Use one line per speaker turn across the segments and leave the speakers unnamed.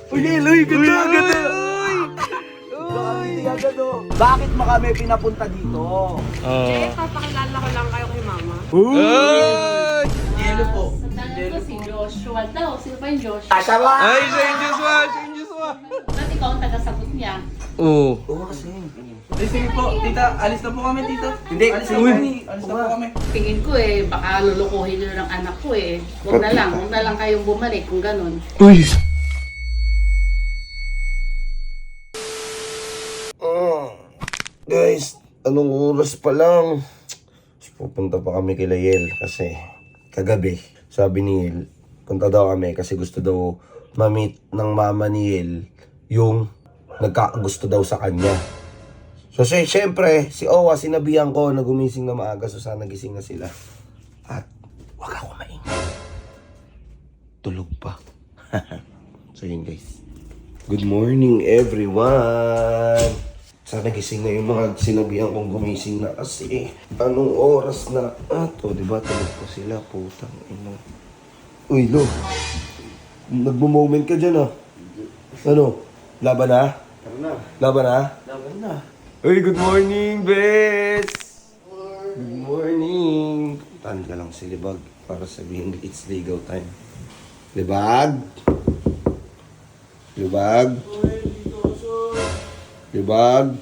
Uy, Eloy, ganda, ganda! Bakit mo kami pinapunta dito?
Papakilala ko lang kayo kay mama.
Yelo po.
Sandali ko si Joshua daw. Sino pa yung Joshua?
Asya ba?
Ay, siya yung Joshua! Siya yung Joshua!
Ba't ikaw ang tagasagot niya?
Oo.
Oo kasi.
Sige po, tita, alis na po kami, tita.
Hindi,
Alis na po kami. Alis na po kami.
Tingin ko baka lulukuhin nyo ng anak ko Huwag na lang kayong bumalik kung ganun.
Uy!
Guys, anong oras pa lang? Pupunta pa kami kay Layel kasi kagabi, sabi ni Yel, punta daw kami kasi gusto daw ma-meet ng mama ni Yel yung nagkakagusto daw sa kanya. So syempre, si Owa, sinabihan ko na gumising na maaga, so sana gising na sila. At wag ako maingay. Tulog pa. So yun guys. Good morning everyone! Sana gising na yung mga sinabihan kong gumising na kasi anong oras na ato, diba? Tulog pa sila, putang ina. Uy, Lo. Nagmo-moment ka dyan ah. Ano? Laban na?
Tara na.
Laban na?
Laban na.
Uy, good morning, Bes! Good morning! Puntahan ka lang si Libag para sabihin it's legal time. Libag? Libag? Libag?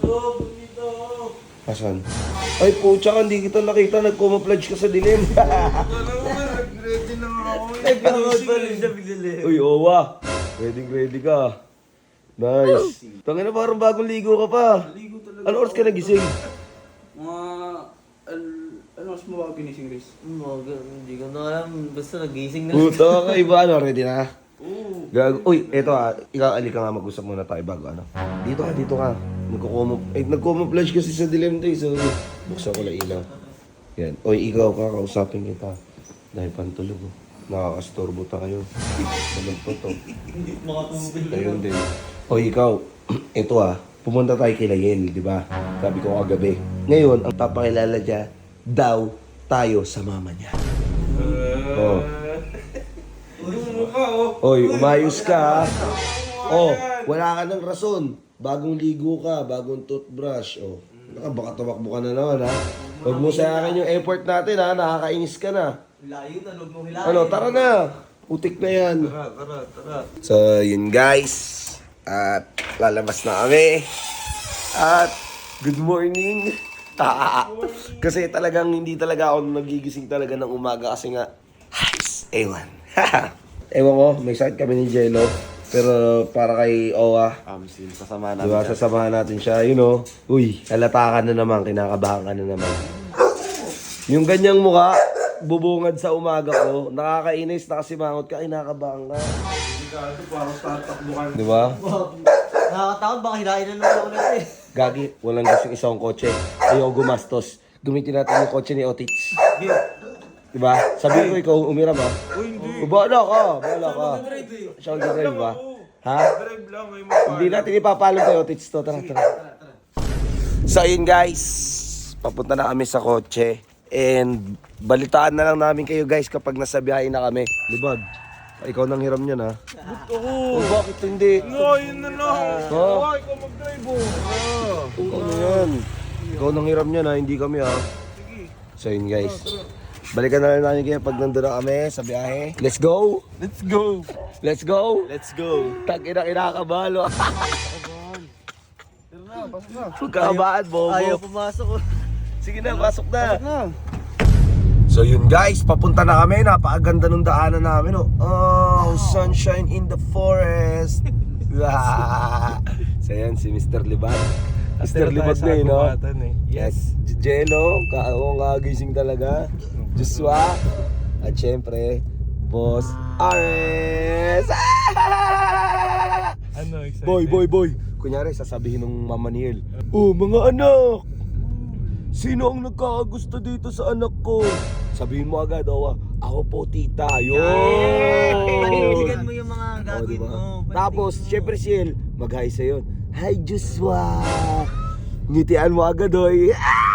Asan? Ay, pucha ka, hindi kita nakita. Nag-camouflage ka sa dilim.
Ready na nga ako.
Uy, Owa. Ready ka. Nice. Tangin na parang bagong ligo ka pa.
Ligo talaga.
Ano oras ka nagising?
Mga... ano mas mo ba ginising, Riz?
Hindi ko na alam. Basta nagising na.
Puta ka, iba ano? Ready na?
Oo.
Gag Uy, eto ikaw ali ka nga mag-usap muna tayo bago ano. Dito ka. Nagko-camouflage kasi sa dilim tayo. So, buksan ko lang ilaw. Yan. Uy, ikaw kakausapin kita. Dahil pantulog oh. Nakakastorbo tayo. Salag pa to. Ayun din. Uy, ikaw. Eto pumunta tayo kay Layel, di ba? Sabi ko kagabi. Ngayon, ang papakilala niya, daw tayo sa mama niya. Oh. Oy, umayos ka. Oh, wala ka ng rason. Bagong ligo ka, bagong toothbrush. Oh, baka tumakbo ka na naman ha. Huwag mo sa akin yung effort natin ha, nakakainis ka na.
Layo na, huwag mong hilahin.
Ano, tara na. Utik na yan.
Tara.
So, yun guys. At lalabas na kami. At good morning. Kasi talagang hindi talaga ako nagigising talaga ng umaga kasi nga, ewan. Ewan ko, may sakit kami ni Jello. Pero para kay Owa,
Sasama namin.
diba, sasamahan natin siya, you know. Uy, halata ka na naman, kinakabahan ka na naman. Yung ganyang mukha, bubungad sa umaga ko, nakakainis, nakasimangot ka, kinakabahan ka.
Parang tatakbo ka.
Diba?
Nakakatakot, baka hilahin na naman ako natin.
Gagi, walang gusto isang kotse. Ayaw gumastos. Gamitin natin yung kotse ni Otits. Diba? Sabi ko, ikaw umiram ha?
Uy, hindi.
Bahala ka. Siya ang drive ba? Ha?
Drive lang, may mga
Hindi natin ipapalo kay Otits to. Tara. So ayun guys, papunta na kami sa kotse. And balitaan na lang namin kayo guys kapag nasa biyahe na kami. Libag, ikaw nang hiram niyan ha? Oh, bakit hindi?
No, yun na lang.
Ha?
Ay, ikaw mag-drive
Ano yan? Ikaw nang hiram niyan ha, hindi kami ha. So yun guys, balikan na lang namin kayo pag nandun na kami sa biyahe. Let's go!
Let's go.
Let's go!
Let's go.
Tag-ina kinakabalo. Pagkakabaan, bobo.
Ayaw pumasok.
Sige na, pasok na. So yun guys, papunta na kami. Napakaganda ng daanan namin. Oh, sunshine in the forest. So yan, si Mr. Libag. Mr. Libag na yun, no? Yes. Jello, kagising talaga. Joshua. At syempre, Boss Ares.
Ano, excited?
Boy. Kunyari, sasabihin ng mama ni El, oh, mga anak! Sino ang nagkakagusto dito sa anak ko? Sabihin mo agad, ako po tita. Yun!
Panindigan mo yung mga gagawin
diba?
mo.
Tapos, syempre si El, mag-hi sa'yo. Hi, Joshua! Ngitian mo agad, oy.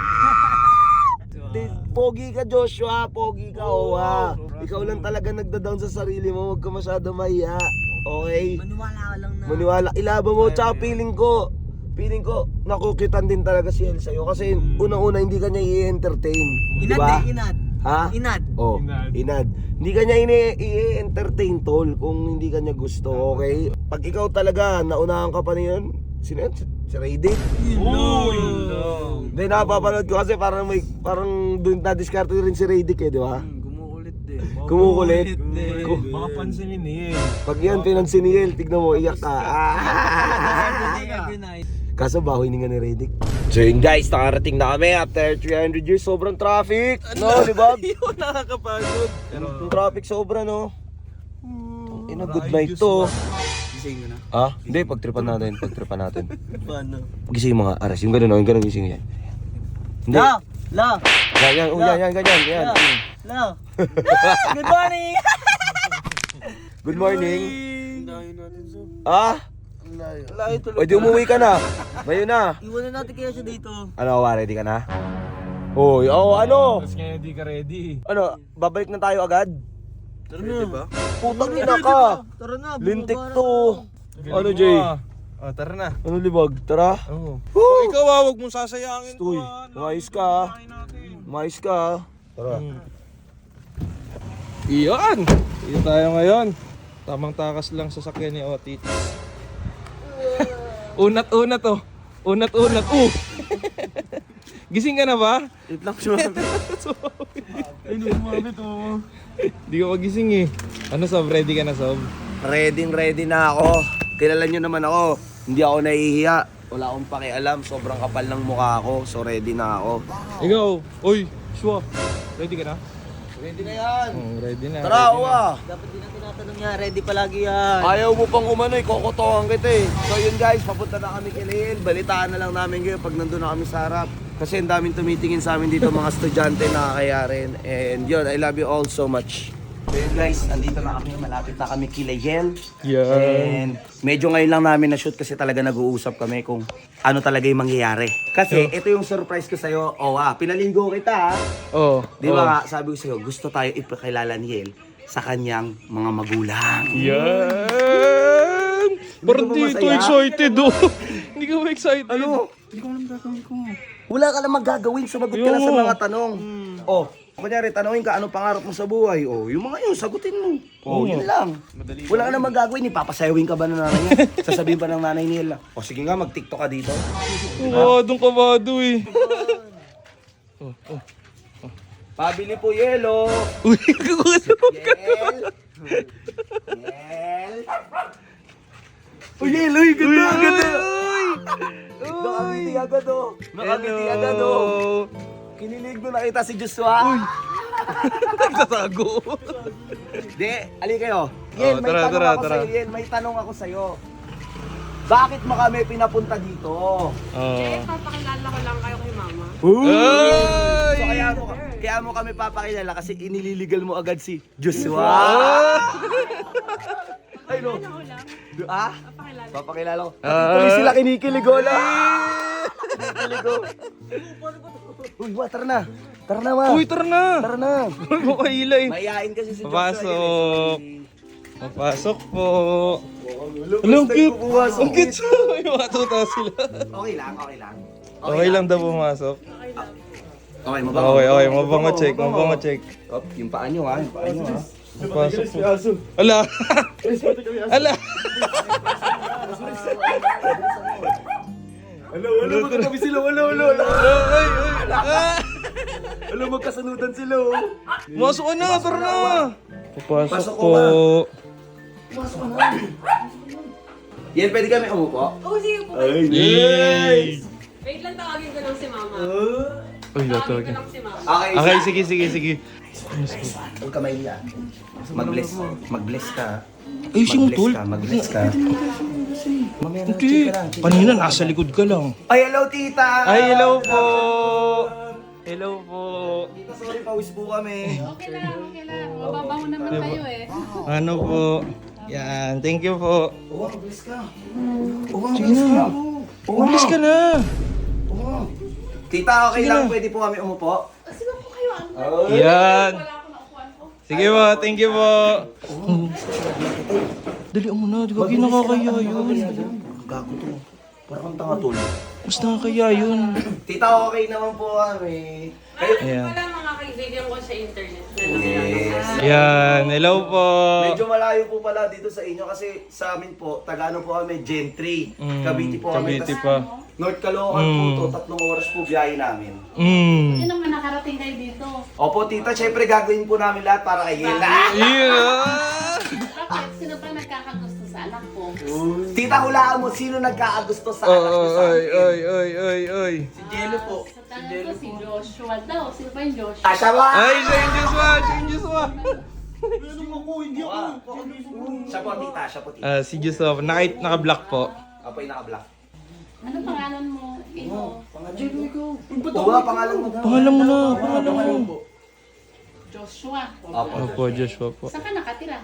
Pogi ka, Joshua. Pogi ka, Owa. Ikaw lang talaga nagda-down sa sarili mo. Huwag ka masyado mahiya. Okay?
Maniwala ka lang na.
Maniwala, ilaban mo, tsaka feeling ko, nakukitan din talaga si El sa'yo. Kasi unang-una, hindi ka niya i-entertain. Di
Inad
ba?
eh, inad.
Ha?
Inad.
Oh,
Inad.
inad. Hindi ka niya i-entertain, tol, kung hindi ka niya gusto, okay? Pag ikaw talaga, naunahan ka pa niyon, sino yan? Si Raydick?
Uy!
Hindi, napapanood ko kasi parang doon na-discard rin si Raydick eh, di ba?
Gumuulit din.
Kumukulit.
Baka pansinin niya
Pag yan, pinansin ni El, tignan mo, iyak ka.
Every night.
Kaso baho hininga ni Raydick. So yun guys, nakarating na kami after 300 years, sobrang traffic. No, di ba?
Yun, nakakapagod.
Yung traffic sobra, no? Ina, good night to.
Gising ko na.
Ah? Hindi, pagtripan natin.
Paano?
Gising mga aras, yung gano'n, yung gano'n gising yan. Hindi.
La!
Yan, ganyan, yan.
La! Good morning!
Good morning.
Dahin natin so.
Ah?
Layo tuloy.
O, di umuwi ka na. Bayo na.
Iwanan natin kaya siya dito.
Ano, ready ka na? Hoy, ano?
Tapos ngayon di ka ready.
Ano, babalik na tayo agad?
Tara na.
ba?
Putang ina ka.
Tara na.
Lintik
bumaba na
to.
tayo.
Ano, Jay?
Oh, tara na.
Ano, libag? Tara.
Oo.
Woo!
Ikaw wag mong sasayangin
Uy, umayos ka. Umayos ka. Tara.
Iyon! Iyon tayo ngayon. Tamang takas lang sa sakyan ni Otit. Unat-unat oh. Unat-unat. Gising ka na ba?
Wait lang siya.
Ay, hindi umabit oh. Hindi ka magising eh. Ano Sob? Ready ka na Sob?
Ready na ako. Kilala nyo naman ako. Hindi ako nahihiya. Wala akong pakialam. Sobrang kapal ng mukha ako. So ready na ako.
Ikaw. Uy, Shwa. Ready ka na?
Ready na yan.
Ready na.
Tara,
ready na.
uwa.
Dapat din na tinatanong niya. Ready palagi yan.
Ayaw mo pang umano'y, kokotohan kita eh. So yun guys, papunta na kami kay Lael. Balitaan na lang namin kayo pag nandun na kami sa harap. Kasi ang daming tumitingin sa amin dito mga estudyante na kaya rin. And yun, I love you all so much. So yun guys, andito na kami, malapit na kami kay Lael.
Yeah.
And medyo ngayon lang namin na-shoot kasi talaga nag-uusap kami kung ano talaga yung mangyayari. Kasi ito yung surprise ko sa'yo. Pinalinggo kita ha.
Oh.
Di ba nga, sabi ko sa'yo, gusto tayo ipakilala ni Yel sa kanyang mga magulang.
Yan! Parang
ka ba
di ito
masaya?
excited oh. Hindi ka ba excited?
Ano? Hindi ko alam gagawin ko. Wala ka lang magagawin, sumagot ka lang sa mga tanong. Oh, kunyari, tanongin ka, anong pangarap mo sa buhay? Oh, yung mga yun, sagutin mo. Oh, yun lang. Wala ka lang magagawin, ipapasayawin ka ba ng nanay niya? Sasabihin ba ng nanay ni Yel? Oh, sige nga, mag-tiktok ka dito.
Kabadong kabado eh.
Pabili po yelo.
Uy, kagusto ka.
Yel. Yel. Uy, Yel, uy, ganda, ganda. Nakangiti agad oh. Nakangiti agad oh. Kinilig mo nakita si Joshua. Uy.
Nagtatago.
Di, ali kayo. Yel, may
tara,
tanong
tara,
ako
tara.
sa'yo. Yel, may tanong ako sa'yo. Bakit mo kami pinapunta dito?
Papakilala ko lang kayo kay mama.
So kaya mo kami papakilala kasi inililigal mo agad si Joshua. Ay no. Ah? Papakilala ko. Tuloy sila kinikilig oh na. Kinikilig oh. Uy, tara na. Tara na, ma.
Uy, tara na.
Tara na.
Huwag mo kailay.
Mayayain kasi si Joshua.
Papasok. Papasok po.
Alam,
cute. Ang cute siya. May matuta sila.
Okay lang, okay lang.
Okay lang daw pumasok.
Okay, mabango.
Okay, mabango check, mabango check.
Oh, yung paa nyo ha, yung paa nyo ha.
Papasok po. Ala. Ala.
Ano, magkatabi sila, wala. Alam, magkasanudan sila oh.
Masok ka na, tara na. Papasok
Pasok ko
po.
ba? Pumasok ka na. Yan, pwede kami umupo?
Oh, sige po.
Yay!
Wait lang, tawagin ko lang si mama.
Uy,
Tawagin ko
tatawagin.
lang si mama.
Okay,
Okay, sige.
huwag ka mahiya. Mag-bless ka.
Ay, sino tol?
Mag-bless ka. Mamaya na,
Hindi.
check ka lang.
Kanina, nasa likod ka lang.
Ay, hello tita!
Ay, hello po. Hello po.
Tita, sorry, pawis po kami.
Okay lang. Mababango naman kayo eh.
Ano po? Yan, thank you po.
Oo, mag-bless ka.
Sige na. Umalis ka na.
Tita, okay lang, pwede po kami umupo?
Sige po kayo.
Yan.
Wala akong naupuan ko.
Sige po, thank you po. Dali mo na, di ka nakakaya yun.
Gago to. Parang kang tanga tol.
Mas nakakaya yun.
Tita, okay naman po kami. Kayo,
Ayan.
Wala mga kaibigan ko sa internet.
yes.
Yan, hello po.
Medyo malayo po pala dito sa inyo kasi sa amin po, Tagano po kami, Gentry. Cavite po kami.
Cavite
Tas
pa.
North Caloocan po to, 3 oras po biyahe namin.
Hindi naman nakarating kayo dito.
Opo tita, syempre gagawin po namin lahat para kay Yela.
Yeah!
Bakit? Sino pa nagkakagusto sa anak ko?
Tita, hulaan mo, sino nagkakagusto sa anak niyo sa
Oy,
akin?
oy.
Si Jello po.
Sa tanong ko si Joshua daw. Sino pa yung Joshua?
Tasha ba?
Ay, siya yung Joshua,
Siya po tita, siya po tita.
Si Joshua, naka-block po.
Apo yung naka-black.
Ano pangalan mo? Ino?
Oo nga, pangalan mo.
Pangalan mo na, pangalan mo.
Joshua.
Opo, Joshua po.
Saan ka nakatira?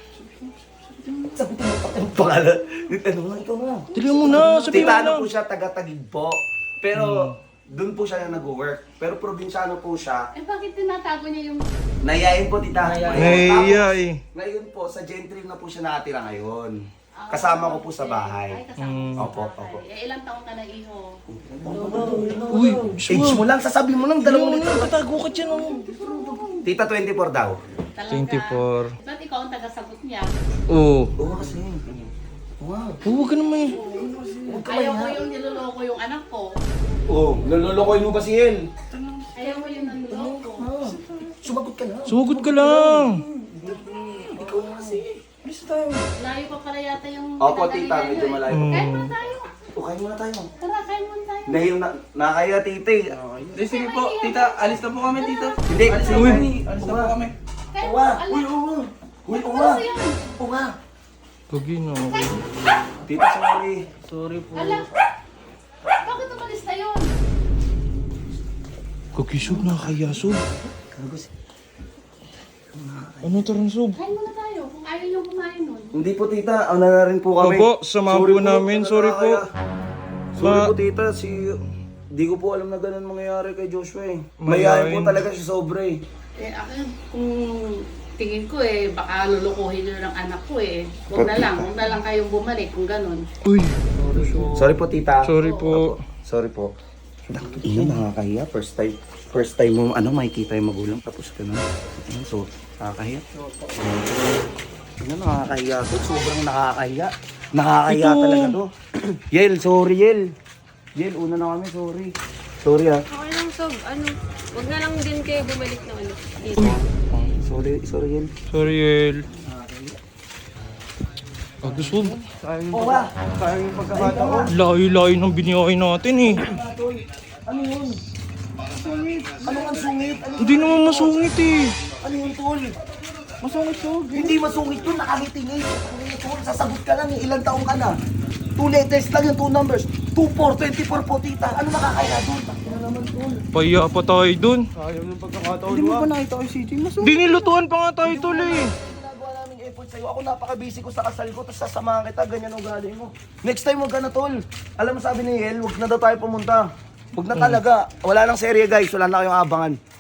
Pangalan. Ano nga, ikaw nga.
Dali mo na, sabihin mo
Tita,
na.
ano po siya, taga-Tagig po. Pero, doon po siya na nag-work. Pero probinsyano po siya.
Eh bakit tinatago niya yung...
Nayayin po, tita.
Naiya eh.
Ngayon po, sa Gentry na po siya nakatira ngayon. Kasama ko po sa
Ay,
bahay.
kasama mo
Opo,
sa bahay.
opo.
Eh, ilang taong ka na, iho?
Uy,
Age mo lang, sasabihin mo lang,
dali
dalawang
mo
liter.
na, tatago ka dyan oh.
Tita, 24 daw.
Talaga.
24.
Ba't ikaw ang tagasagot niya?
Oo.
Oo kasi. Wow.
Huwag ka naman eh.
Ayaw mo yung niloloko yung anak ko.
Oo, nalolokoy mo ba si El?
Ayaw mo yung niloloko.
Sumagot ka na.
Sumugod ka lang.
Ikaw na kasi.
Layo pa pala yata yung...
Opo, tita, medyo malayo.
Kain muna tayo.
O, kain muna tayo.
Tara, kain muna tayo.
Dahil nakaya, tita.
Hindi, sige po. Tita, alis na po kami, tita.
Hindi,
Alis na po kami. Alis na po kami.
Kain
Uwa.
mo,
Uy,
alam.
uwa. Uy,
Ano
uwa.
kasi yan?
Uwa.
Gagi na ako.
Tita, sorry.
Sorry po.
Alam. Bakit umalis na yun?
Gagi sub, nakakaya sub. Ano taran sub?
Kain muna tayo. Kung ayaw niyo kumain nun.
Hindi po, tita. Ano na rin po kami.
Opo, samahan po namin. Sorry po.
Sorry
Ma-
po, tita. Di ko po alam na ganun mangyayari kay Joshua eh.
Mayayain.
Mayayain po talaga siya sobra eh.
Eh, ako, kung tingin ko eh, baka lulukuhin nyo ng anak ko eh. Huwag na lang kayong bumalik kung ganun.
Uy,
Sorry po, tita.
sorry po.
Sorry po. Ino, nakakahiya. First time mo, makikita yung magulang. Tapos ka na. So, nakakahiya. Nakakahiya to. Sobrang nakakahiya. Nakakahiya
Ito.
talaga to. Yel, sorry, Yel. Yel, una na kami, sorry. Sorry ah.
Okay lang, Sob. Wag na lang din kayo bumalik na ulit dito.
Sorry, Yel.
Sorry, El. Gagi sub.
Oo ba? Sayang yung pagkakataon.
Layo-layo ng biniyahin natin eh.
Ano yun? Sungit. Ano ang sungit?
Hindi naman masungit eh.
Ano yun, tol? Masungit to. Hindi masungit yun, nakangiti-ngiti. Ano yun, tol? Sasagot ka lang, ilang taong ka na. 2 letters lang yung 2 numbers. 24, 24 po, tita. Ano nakakaya doon? Ano naman, tol?
Paya pa tayo dun.
Hindi mo ba nakita ko si CJ? Masungit.
Hindi nilutuan pa nga tayo tol eh.
Ginagawa namin effort sa'yo. Ako napaka-busy ko sa kasal ko, tapos sasamahan kita, ganyan ang galing mo. Next time, huwag ka na, tol. Alam mo sabi ni Yel, huwag na daw tayo pumunta. Huwag na talaga. Wala nang serye, guys. Wala na kayong abangan.